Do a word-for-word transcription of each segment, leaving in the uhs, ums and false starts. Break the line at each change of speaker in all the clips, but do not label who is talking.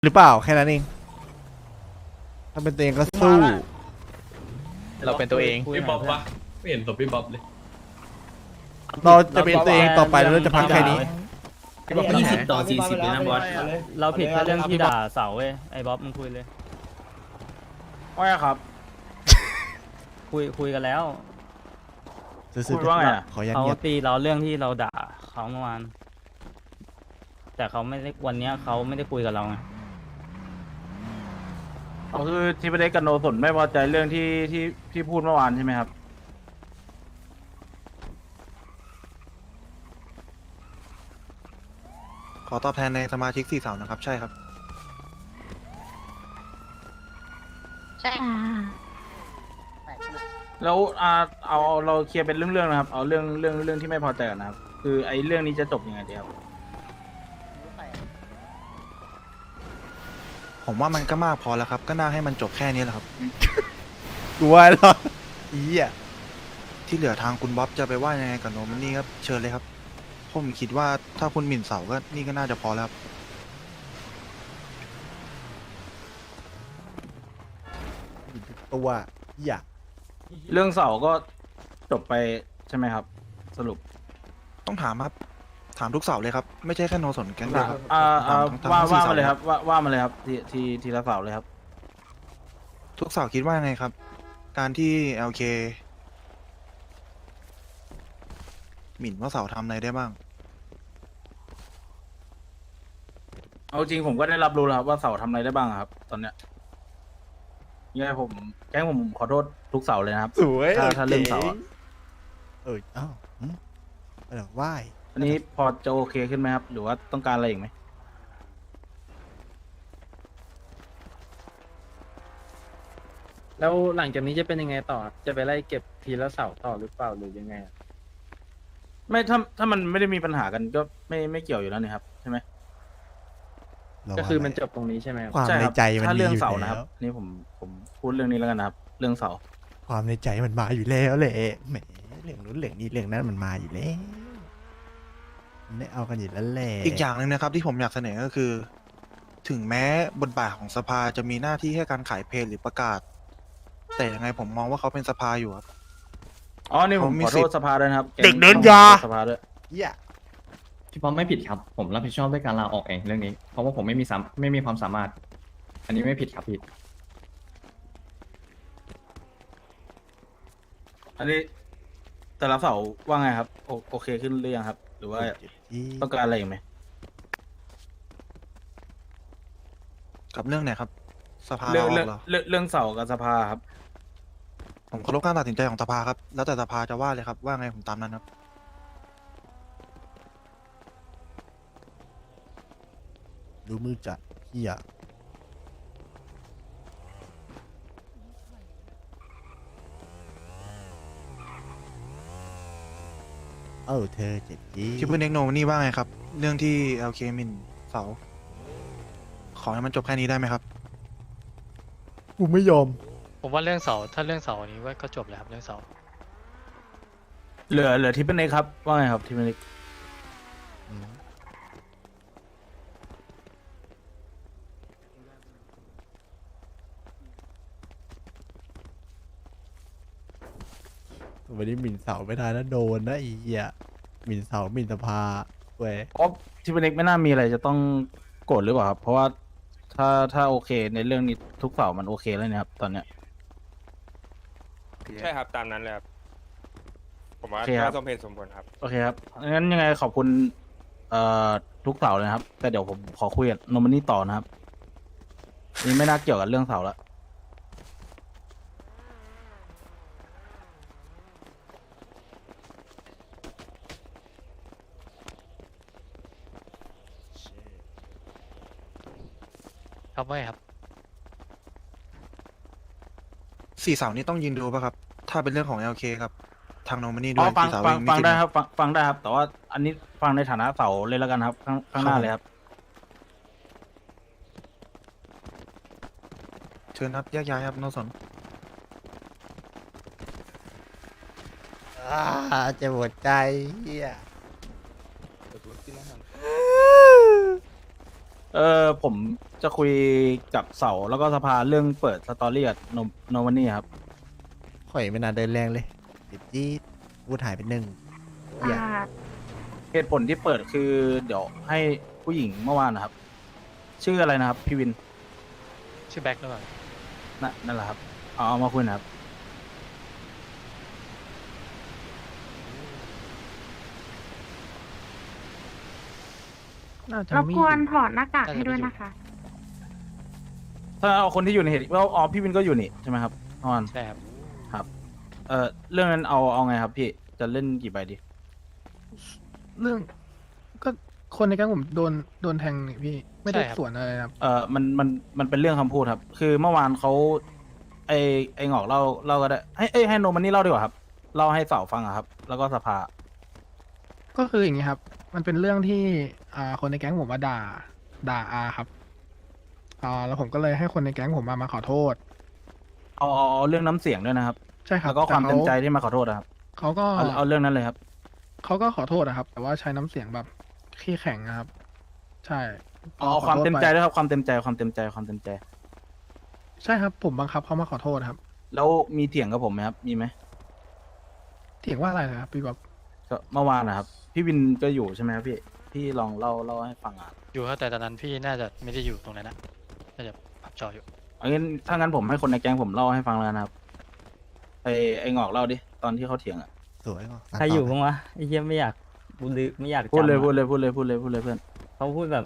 หรือเปล่าแค่นั้นเองถ้าเป็นตัวเองก็สู้
เราเป็นตัวเอง
พี่บ๊อบปะไม่เห็นศพพี่บ๊อบเลย
เราจะเป็นตัวเองต่อไปเราจะพักแค่นี้
ยี่สิบต่อสี่สิบเลยนะบอส
เราผิดแค่เรื่องที่ด่าเสาเว้ยไอ้บ๊อบมึงคุยเลย
ว่าไงครับ
คุยคุยกันแล้ว
ซื้อ
พูดว่าไงอะ
ขอยัน
เขา
เงียบ
ตีเราเรื่องที่เราด่าเขาเมื่อวานแต่เขาไม่ได้วันเนี้ยเขาไม่ได้คุยกับเราไง
ก็คือที่ประเด็นกับโนสนไม่พอใจเรื่องที่ที่ที่พูดเมื่อวานใช่ไหมครับ
ขอตอบแทนในสมาชิกสี่สาวนะครับ ใช่ครับ
ใช่ค่ะ
แล้วอ่าเอาเอาเราเคลียร์เป็นเรื่องๆนะครับ เอาเรื่องเรื่องเรื่องที่ไม่พอใจก่อนนะครับ คือไอ้เรื่องนี้จะจบยังไงดีครับ
ผมว่ามันก็มากพอแล้วครับ ก็น่าให้มันจบแค่นี้แหละครับ
กูว่าแล้วอีอ่ะ
ที่เหลือทางคุณบ๊อบจะไปว่ายังไงกับโนมันนี่ครับเชิญเลยครับ ผมคิดว่าถ้าคุณหมิ่นเสาก็นี่ก็น่าจะพอแล้วครับ
ตัวอีอ่ะ
เรื่องเสาก็จบไปใช่ไหมครับ สรุป
ต้องถามครับ ถามทุกเสาเลยครับ ไม่ใช่แค่โนสนแก๊งเดียวครับ
อ่าอ่า
ถามทั้ง
ว่า
ทั้งสี่
ว่า
เสา
มาเลยครับ ว่าว่ามาเลยครับ ทีทีทีละเสาเลยครับ
ทุกเสาคิดว่ายังไงครับ การที่ แอล เค หมิ่นว่าเสาทำอะไรได้บ้าง
เอาจริงผมก็ได้รับรู้แล้วครับว่าเสาทำอะไรได้บ้างครับ ตอนเนี้ยยังไงผมแก๊งผมขอโทษทุกเสาเลยนะครับ
สวย
ถ้าถ้าเรื่องเสาอะ
เอออ้าวหืมเออไหว้
อันนี้พอจะโอเคขึ้นไหมครับ หรือว่าต้องการอะไรอีกไหม
แล้วหลังจากนี้จะเป็นยังไงต่อจะไปไล่เก็บทีละเสาต่อหรือเปล่าหรือยังไง
ไม่ถ้าถ้ามันไม่ได้มีปัญหากันก็ไม่ไม่เกี่ยวอยู่แล้วนี่ครับใช่ไหม
เรา
ก็คือ
ว่า
มันจบตรงนี้ใช่ไหมครับ
ความ
ใช่
ใน
ครับ
ใจมัน
ถ้า
มี
เรื่อง
อยู่
เสา
แล้
นะครับ
ว
นี่ผมผมพูดเรื่องนี้แล้วกันนะครับ เรื่องเสา
ความในใจมันมาอยู่แล้วแหละแหมเรื่องนู้นเรื่องนี้เรื่องนั้นมันมาอยู่แล้วมันได้เอากันอยู่แล้วแหละ
อีกอย่างหนึ่งนะครับที่ผมอยากเสนอก็คือ ถึงแม้บทบาทของสภาจะมีหน้าที่แค่การขายเพลงหรือประกาศ แต่ยังไงผมมองว่าเขาเป็นสภาอยู่ครับ
อ๋อนี่ผม
เขามี
ขอ
สิ
โท
ท
ษ
ธิ์
สภาด้วยนะครับ
เด็กเดินยา
สภาด้วย
อีอ่ะ
พี่ป๊อปไม่ผิดครับ ผมรับผิดชอบด้วยการลาออกเองเรื่องนี้ เพราะว่าผมไม่มีสามไม่มีความสามารถ อันนี้ไม่ผิดครับพี่
อันนี้แต่ละเสาว่าไงครับโอโอเคขึ้นหรือยังครับ หรือว่าต้องการอะไรอีกไหม
กับเรื่องไหนครับ สภา
เรื่อง
เรา
เรื่อง
เหรอ
เรื่องเรื่องเสากับสภาครับ
ผมเคารพการตัดสินใจของสภาครับ แล้วแต่สภาจะว่าเลยครับ ว่าไงผมตามนั้นครับ
ดูมือจัดอีอ่ะเออเธอเจ็ดจี
คิปเปอร์เน็กโนนี่ว่าไงครับ เรื่องที่ แอล เค หมินเสา ขอให้มันจบแค่นี้ได้ไหมครับ
กูไม่ยอม
ผมว่าเรื่องเสาถ้าเรื่องเสานี้ว่าก็จบแล้วครับเรื่องเสา
เหลือเหลือที่เป็นเอกครับว่าไงครับที่เป็นเอก
อืมวันนี้หมิ่นเสาไม่ได้นะโดนนะไอีเหี้ยหมิ่นเสาหมิ่นสภาเว้ย
เพราะที่เป็นเอกไม่น่ามีอะไรจะต้องโกรธหรือเปล่าครับ เพราะว่าถ้าถ้าโอเคในเรื่องนี้ทุกเสามันโอเคแล้วเนะครับ ตอนเนี้ย
ใช่ครับ ตามนั้นเลยครับ ผมว่า
โอเคครับ
ก็สมเหตุสมผลครับ
โอเคครับงั้นยังไงขอบคุณเอ่อทุกเสาเลยนะครับ แต่เดี๋ยวผมขอคุยกับโนมันนี่ต่อนะครับนี่ไม่น่าเกี่ยวกับเรื่องเสาแล้ว
ครับว่าไงครับ
สี่เสานี่ต้องยืนดูป่ะครับ ถ้าเป็นเรื่องของ แอล เค ครับ ทางโนมันนี่ด้
อ๋
ว
อย ฟัง
สี่เสา
ฟัง
เอง
ฟัง
มีสิทธิ์
ได้
ไหม
ครับฟังฟังได้ครับ แต่ว่าอันนี้ฟังในฐานะเสาเลยแล้วกันครับ ข้างข้างหน้าเลยครับ
เชิญครับแยกย้ายครับโนสน
อ่าเจะปวดใจเฮีย
เออผมจะคุยกับเสาแล้วก็สภาเรื่องเปิดสตอรี่กับโนโนวันนี่ครับ
ข่อยไม่น่าเดินแรงเลยติดจี้พูดหายไปหนึ่งอย่า
อ่า
เหตุผลที่เปิดคือเดี๋ยวให้ผู้หญิงเมื่อวานนะครับ ชื่ออะไรนะครับ พี่วิน
ชื่อแบ็คหรือเปล่า
นั่นนั่นแหละครับเอาเอามาคุยนะครับ
น่าจะ
รบ
มี
กวนถอดหน้ากากให้ด้วยนะคะ
ถ้าเอาคนที่อยู่ในเหตุว่าอ๋อพี่วินก็อยู่นี่ใช่ไหมครับเมื่อวาน
ใช่ครับ
ครับ เออเรื่องนั้นเอาเอาไงครับพี่จะเล่นกี่ใบดี
เรื่อง ก็คนในแก๊งผมโดนโดนแทงนี่พี่ ไม่ได้
ใช่ครับ
สวนอะไรนะครับ
เออมันมันมันเป็นเรื่องคำพูดครับ คือเมื่อวานเขาไอไอหงอกเล่าเล่าก็ได้ให้เอ้ยให้โนมันนี่เล่าดีกว่าครับเล่าให้เสาฟังอะครับ แล้วก็สภา
ก็คืออย่างนี้ครับ มันเป็นเรื่องที่อ่าคนในแก๊งผมมาด่า ด่าอาครับอ่าแล้วผมก็เลยให้คนในแก๊งผมมามาขอโทษ
เอาเอาเอาเรื่องน้ำเสียงด้วยนะครับ
ใช่ครับ
แล้วก็ความ
แต่
เต็
เขา
มใจที่มาขอโทษนะครับ
เขาก็
เอาเอาเรื่องนั้นเลยครับ
เขาก็ขอโทษนะครับ แต่ว่าใช้น้ำเสียงแบบขี้แข็งนะครับ ใช่
เอาเอา
ขอ
ความ
โทษ
เต็ม
ไป
ใจด้วยครับความเต็มใจความเต็มใจความเต็มใจ
ใช่ครับ ผมบังคับเขามาขอโทษครับ
แล้วมีเถียงกับผมไหมครับ มีไหม
เถียงว่าอะไรนะครับพี่บ๊อบ
ก็เมื่อวานนะครับ พี่วินก็อยู่ใช่ไหมครับพี่ พี่ลองเล่าเล่าให้ฟังอ่ะ
อยู่ครับแต่ตอนนั้นพี่น่าจะไม่ได้อยู่ตรงนั้นนะน่าจะพับจออยู่
เอางั้นถ้างั้นผมให้คนในแก๊งผมเล่าให้ฟังแล้วนะครับไอไอหงอกเล่าดิตอนที่เขาเถียงอ่ะ
สวยว่ะ
ใครอยู่บ้างวะไอ้เหี้ยไม่อยากกูลือไม่อยาก
พูดเลย
จำอะ
พูดเลยพูดเลยพูดเลยพูดเลยเพื่อน
เขาพูดแบบ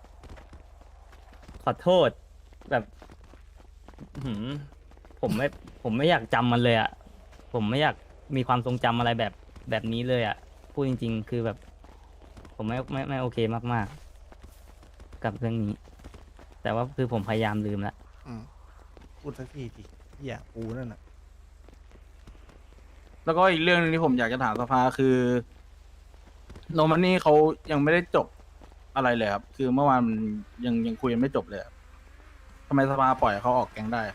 ขอโทษแบบหืมผมไม่ ผมไม่อยากจำมันเลยอ่ะ ผมไม่อยากมีความทรงจำอะไรแบบแบบนี้เลยอ่ะ พูดจริง ๆ คือแบบ ผมไม่ไม่ไม่โอเคมากๆ กับเรื่องนี้ แต่ว่าคือผมพยายามลืมละ
อืมพูดสักทีทีอย่าปูนั่นน่ะ
แล้วก็อีกเรื่องหนึงที่ผมอยากจะถามสภาคือโนมันนี่เขายังไม่ได้จบอะไรเลยครับ คือเมื่อวานมันยังยังคุยยังไม่จบเลยครับทำไมสภาปล่อยให้เขาออกแก๊งได้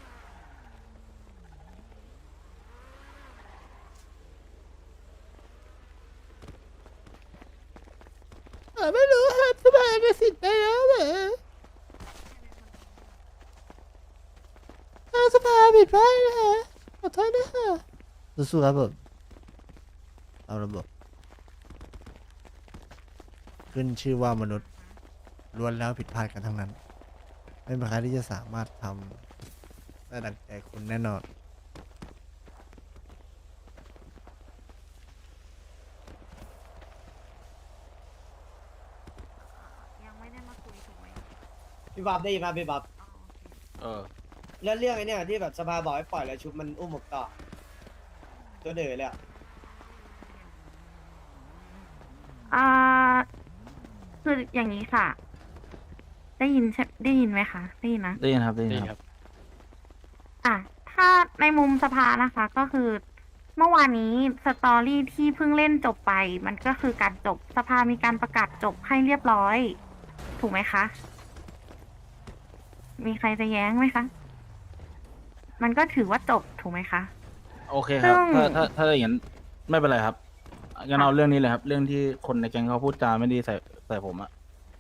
ไม่รู้ครับสบายไปสิทธิ์ไปแล้วเหรอสภาผิดพลาดนะฮะขอโทษนะฮะสู้ๆครับผมเอาระบบขึ้นชื่อว่ามนุษย์ล้วนแล้วผิดพลาดกันทั้งนั้น ไม่มีใครที่จะสามารถทำได้ดังใจคุณแน่นอน
ยังไม่ได้มาคุยถูกไหม
พี่บ๊อบได้ยินป่ะพี่บ๊อบ
เออ
แล้วเรื่องไอ้เนี่ยที่แบบสภาบอกให้ปล่อยแล้วชุบมันอุ้มหมกต่อตัวเดือเลยอะ
อ่าคืออย่างนี้ค่ะ ได้ยินใช่ได้ยินไหมคะ ได้ยินนะ
ได้ยินครับได้ยิ
นี่
นค
ครับ รับ
อ่ะ ถ้าในมุมสภานะคะ ก็คือ เมื่อวานนี้สตอรี่ที่เพิ่งเล่นจบไป มันก็คือการจบสภามีการประกาศจบให้เรียบร้อย ถูกไหมคะ มีใครจะแย้งไหมคะ มันก็ถือว่าจบถูกไหมคะ
โอเคครับ
ซึ่ง
ถ้าถ้าถ้าอย่างนั้นไม่เป็นไรครับงั้นเอาเรื่องนี้เลยครับ เรื่องที่คนในแก๊งเขาพูดจาไม่ดีใส่ใส่ผมอะ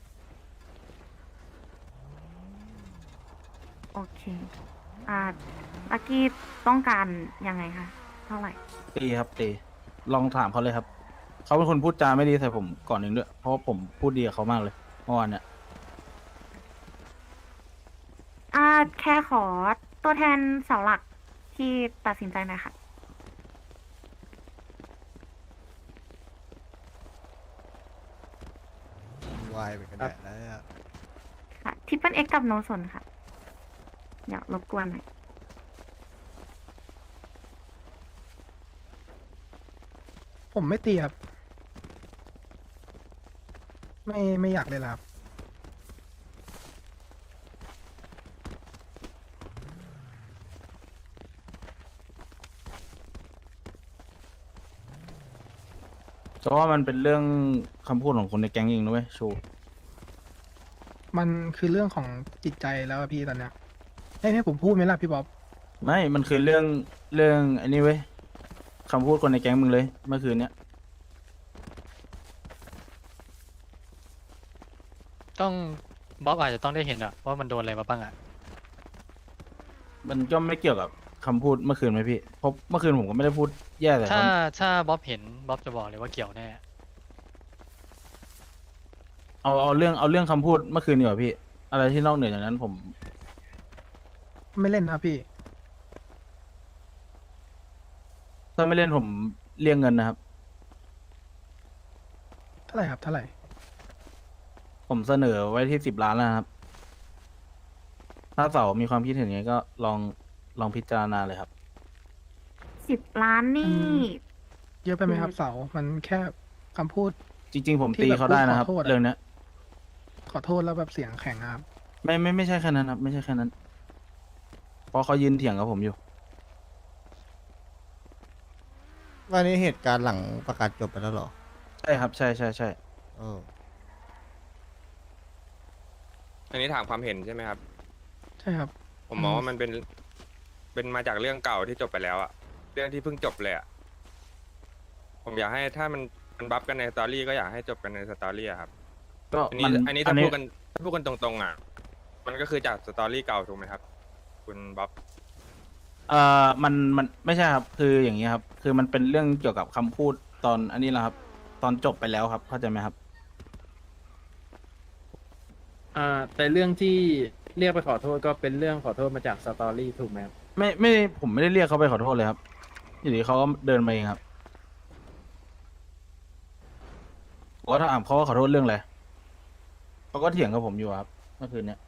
โอเค อ่าลักกี้ต้องการยังไงคะ เท่าไหร่
ตีครับตีลองถามเขาเลยครับเขาเป็นคนพูดจาไม่ดีใส่ผมก่อนหนึ่งด้วยเพราะว่าผมพูดดีกับเขามากเลยเมื่อวานเนี่ย
อ่า แค่ขอตัวแทนเสาหลักที่ตัดสินใจหน่อยค่ะ
วายไปกันแดดแล้ว
ค่ะทิปเปิลเอ็กกับโนสนค่ะ เดี๋ยวรบกวนหน่อย
ผมไม่ตีครับ ไม่ไม่อยากเลยละครับ
เพราะว่ามันเป็นเรื่องคำพูดของคนในแก๊งเองนะเว้ยชู
มันคือเรื่องของจิตใจแล้วอะพี่ตอนเนี้ยให้ให้ผมพูดไหมล่ะพี่บ๊อบ
ไม่มันคือเรื่องเรื่องไอ้นี่เว้ยคำพูดคนในแก๊งมึงเลยเมื่อคืนเนี้ย
ต้องบ๊อบอาจจะต้องได้เห็นอะว่ามันโดนอะไรมาบ้างอะ
มันก็ไม่เกี่ยวกับคำพูดเมื่อคืนไหมพี่เพราะเมื่อคืนผมก็ไม่ได้พูดแย่แต่
ถ้า
เขา
ถ้าบ๊อบเห็นบ๊อบจะบอกเลยว่าเกี่ยวแน่
เอาเอาเรื่องเอาเรื่องคำพูดเมื่อคืนดีกว่าพี่ อะไรที่นอกเหนือจากนั้นผม
ไม่เล่นนะครับพี่
ถ้าไม่เล่นผมเรียกเงินนะครับ
เท่าไหร่ครับเท่าไหร่
ผมเสนอไว้ที่สิบล้านแล้วนะครับ ถ้าเสามีความคิดเห็นยังไงก็ลองลองพิจารณาเลยครับ
สิบล้านนี่
เยอะไปไหมครับเสา มันแค่คำพูด
จริง ๆ ผมตีเขาได้นะครับ
ที่แบบพูดขอโทษอะ
เรื่องเนี้ย
ขอโทษแล้วแบบเสียงแข็งอะครับ
ไม่ไม่ไม่ใช่แค่นั้นครับ ไม่ใช่แค่นั้น เพราะเขายืนเถียงกับผมอยู่
วันนี้เหตุการณ์หลังประกาศจบไปแล้วเหรอ
ใช่ครับ ใช่ใช่ใช่
เออ
อันนี้ถามความเห็นใช่ไหมครับ
ใช่ครับ
ผมมองว่ามันเป็น เป็นมาจากเรื่องเก่าที่จบไปแล้วอะเรื่องที่เพิ่งจบเลยอะผมอยากให้ถ้ามันมันบัฟกันในสตอรี่ก็อยากให้จบกันในสตอรี่อะครับ
ก็
อัน
มั
นี้
น
อันนี้ถ้าพูดกันถ้าพูดกันตรงๆอะมันก็คือจากสตอรี่เก่าถูกไหมครับ คุณบ๊อบ
เอ่อมันมันไม่ใช่ครับ คืออย่างนี้ครับ คือมันเป็นเรื่องเกี่ยวกับคำพูดตอนอันนี้แหละครับ ตอนจบไปแล้วครับ เข้าใจไหมครับ
อ่าแต่เรื่องที่เรียกไปขอโทษก็เป็นเรื่องขอโทษมาจากสตอรี่ถูกไหมครับ
ไม่ไม่ผมไม่ได้เรียกเขาไปขอโทษเลยครับอยู่ดีเขาก็เดินมาเองครับผมก็ถามเขาว่าขอโทษเรื่องอะไรเขาก็เถียงกับผมอยู่ครับเมื่อคืนเนี้ย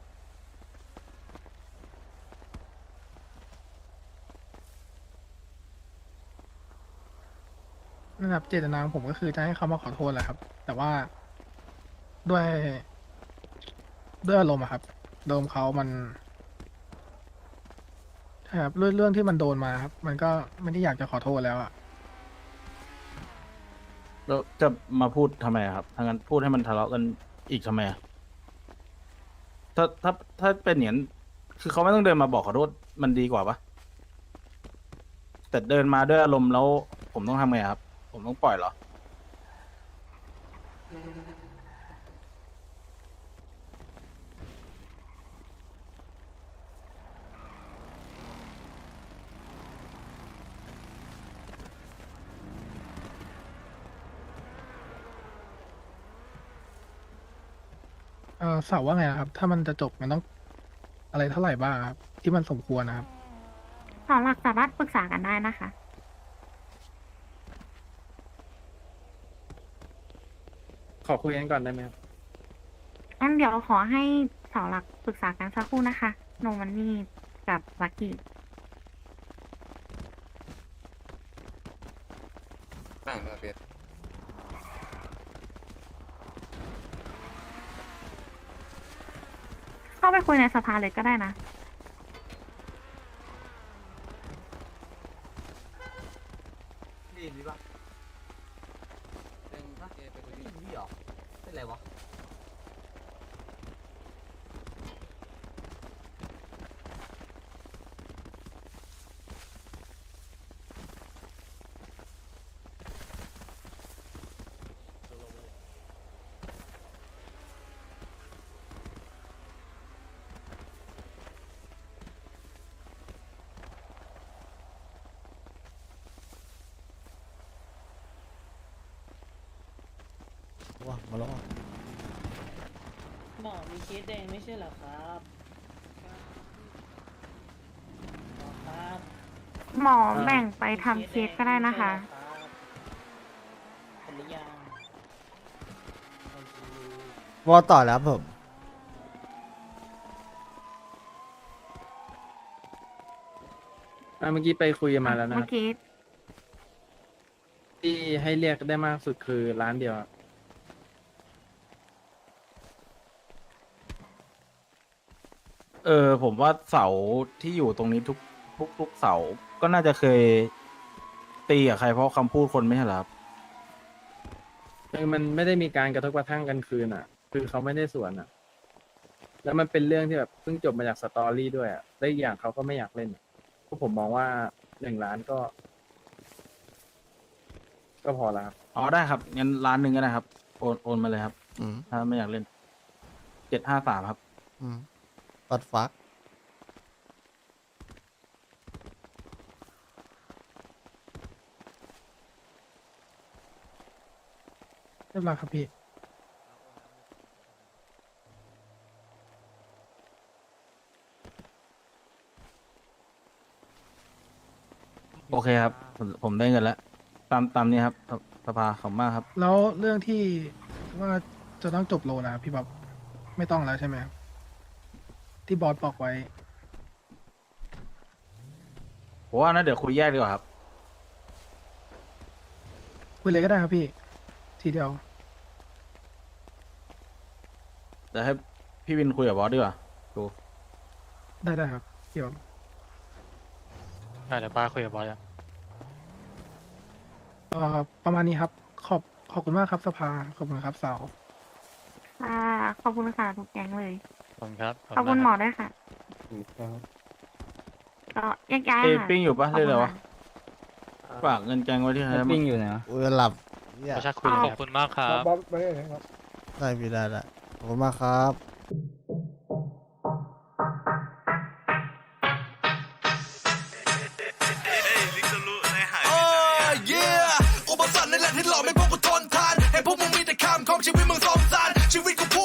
นะครับเจตนาของผมก็คือจะให้เขามาขอโทษแหละครับ แต่ว่าด้วยด้วยอารมณ์อะครับอารมณ์เขามันใช่ครับเรื่องเรื่องที่มันโดนมาครับ มันก็ไม่ได้อยากจะขอโทษแล้วอะ
แล้วจะมาพูดทำไมอะครับถ้างั้นพูดให้มันทะเลาะกันอีกทำไมอะถ้าถ้าถ้าเป็นอย่างนั้นคือเขาไม่ต้องเดินมาบอกขอโทษมันดีกว่าปะแต่เดินมาด้วยอารมณ์แล้วผมต้องทำไงครับ ผมต้องปล่อยเหรอ
เออเสาว่าไงนะครับ ถ้ามันจะจบมันต้องอะไรเท่าไหร่บ้างครับ ที่มันสมควรนะครับ
สองหลักสามารถปรึกษากันได้นะคะ
ขอคุยกันก่อนได้ไหมครับ
งั้นเดี๋ยวขอให้เสาหลักปรึกษากันสักครู่นะคะ โนมันนี่กับลักกี้
นั่งครับเปีย
เข้าไปคุยในสภาเลยก็ได้นะ
ดีดีป่ะเป็นปะเป็นดีหรอเป็นไรวะ
ว้ามาแล้ว
หมอมีเคสแดงไม่ใช่เหรอครับหมอครับ
หมอแบ่งไปทำเคสก็ได้นะคะ
เห็นหรือยังโอเค
วอต่อแล้วผม
อ่าเมื่อกี้ไปคุยกันมาแล้วนะค
เมื่
รั
อบ กี้
ที่ให้เรียกได้มากสุดคือร้านเดียวครับ
เออ ผมว่าเสาที่อยู่ตรงนี้ทุกทุกทุกเสาก็น่าจะเคยตีกับใครเพราะคำพูดคนไม่ใช่เหรอครับ
คือมันไม่ได้มีการกระทบกระทั่งกันคืนอ่ะ คือเขาไม่ได้สวนอ่ะ แล้วมันเป็นเรื่องที่แบบเพิ่งจบมาจากสตอรี่ด้วยอ่ะและอีกอย่างเขาก็ไม่อยากเล่นอะพวกผมมองว่าหนึ่งล้านก็ ก็พอแล้วครับ
อ๋อได้ครับงั้นร้านหนึ่งก็ได้ครับโอนโอนมาเลยครับ
อืม
ถ้าไม่อยากเล่น
จ
จ็ดห้าสามครับ
อืมปัดฟัก
เรียบร้อยครับพี่
โอเคครับ ผมผมได้เงินแล้ว ตามตามนี้ครับสสภาขอบคุณมากครับ
แล้วเรื่องที่ว่าจะต้องจบโลนะครับพี่บ๊อบไม่ต้องแล้วใช่ไหมครับที่บอสบอกไว้
ผมว่านะเดี๋ยวคุยแยกดีกว่าครับ
คุยเลยก็ได้ครับพี่ ทีเดียว
เดี๋ยวให้พี่วินคุยกับบอสดีกว่าดู
ได้ได้ครับพี่บ๊อบ
ได้เดี๋ยวป้าคุยกับบอสอะ
เอ่อประมาณนี้ครับ ขอบขอบคุณมากครับสภาขอบคุณครับสาว
ค่ะขอบคุณค่ะทุกแก๊งเลย
ขอบคุณครับ
ขอบคุณหมอด้วยค่ะ ก็แยกย้าย
เอ้ย
ค่ะ
ปิ้งอยู่ปะ
ขอบ
เรื่อย
คุณ
เลยวะ
ค่ะ
ฝากเงินแกงไว้ที่ใคร
แล้ว
นะ
ปิ้งอยู่ไหนวะ
อุ้ยหลับเนี่ย
ประชาคุยเลย
ข
ค
อบ
รับ
คุณมากครับ
บอสไปเลยครับ
ได้พี่ได้ละขอบคุณมากครับ
อุปสรรคนั่นแหละที่หลอกให้พวกกูทนทานให้พวกมึงมีแต่คำของชีวิตมึงสงสารชีวิตกูพู